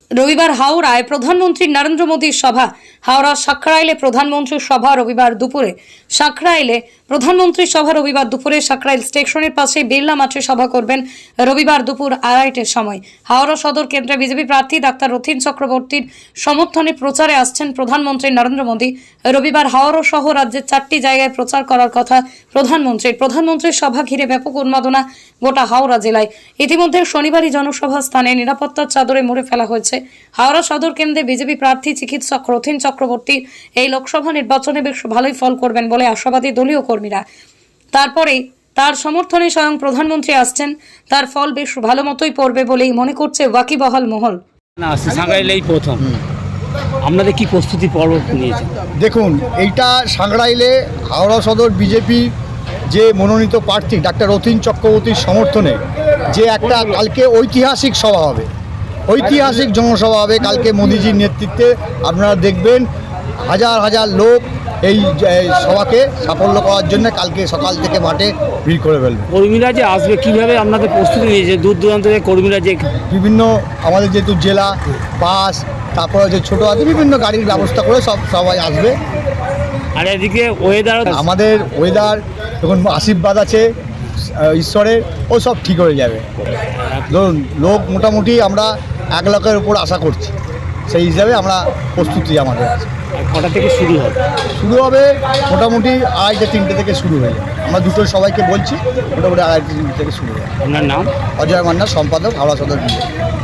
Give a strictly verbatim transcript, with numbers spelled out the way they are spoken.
রবিবার হাওড়ায় প্রধানমন্ত্রী নরেন্দ্র মোদীর সভা। হাওড়া সাঁকরাইলে প্রধানমন্ত্রীর সভা রবিবার দুপুরে। সাঁকরাইলে প্রধানমন্ত্রীর সভা রবিবার দুপুরে সাঁকরাইল স্টেশনের পাশে বিড়লা মাঠে সভা করবেন রবিবার দুপুর আড়াইটের সময়। হাওড়া সদর কেন্দ্রে বিজেপি প্রার্থী ডাক্তার রথীন চক্রবর্তীর সমর্থনে প্রচারে আসছেন প্রধানমন্ত্রী নরেন্দ্র মোদী। রবিবার হাওড়া সহ রাজ্যের চারটি জায়গায় প্রচার করার কথা প্রধানমন্ত্রীর। প্রধানমন্ত্রীর সভা ঘিরে ব্যাপক উন্মাদনা গোটা হাওড়া জেলায়। ইতিমধ্যে শনিবারই জনসভা স্থানে নিরাপত্তার চাদরে মুড়ে ফেলা হয়েছে। হাওড়া সদর কেন্দ্রে বিজেপি প্রার্থী চিকিৎসক রথীন চক্রবর্তী এই লোকসভা নির্বাচনে বেশ ভালোই ফল করবেন বলে আশাবাদী দলীয় কর্মীরা। তারপরেই তার সমর্থনে স্বয়ং প্রধানমন্ত্রী আসছেন, তার ফল বেশ ভালো মতোই পড়বে বলেই মনে করছে ওয়াকিবহাল মহল। না, সাঁকরাইলেই প্রথম। আপনাদের কি প্রস্তুতি পর্ব নিয়েছেন? দেখুন, এইটা সাঁকরাইলে হাওড়া সদর বিজেপি যে মনোনীত প্রার্থী ডাক্তার রথীন চক্রবর্তীর সমর্থনে যে একটা কালকে ঐতিহাসিক সভা হবে, ঐতিহাসিক জনসভা হবে কালকে মোদিজির নেতৃত্বে। আপনারা দেখবেন হাজার হাজার লোক এই সভাকে সাফল্য করার জন্য কালকে সকাল থেকে মাঠে ভিড় করে ফেলবে। কর্মীরা যে আসবে কীভাবে আপনাদের প্রস্তুতি নিয়েছে? দূর দূরান্ত থেকে কর্মীরা যে বিভিন্ন আমাদের যেহেতু জেলা বাস, তারপরে যে ছোটো আছে বিভিন্ন গাড়ির ব্যবস্থা করে সব সবাই আসবে। আর এদিকে ওয়েদার, আমাদের ওয়েদার যখন আশীর্বাদ আছে ঈশ্বরের, ও সব ঠিক হয়ে যাবে। ধরুন লোক মোটামুটি আমরা এক লাখের উপর আশা করছি, সেই হিসাবে আমরা প্রস্তুতি আমাদের আছে। কটা থেকে শুরু হবে? শুরু হবে মোটামুটি আড়াইটে তিনটে থেকে শুরু হয়ে যাবে। আমরা দুটো সবাইকে বলছি মোটামুটি আড়াইটে তিনটে থেকে শুরু হয়ে যাবে। আপনার নাম? অজয় মান্না, সম্পাদক, হাওড়া সদর বিজেপি।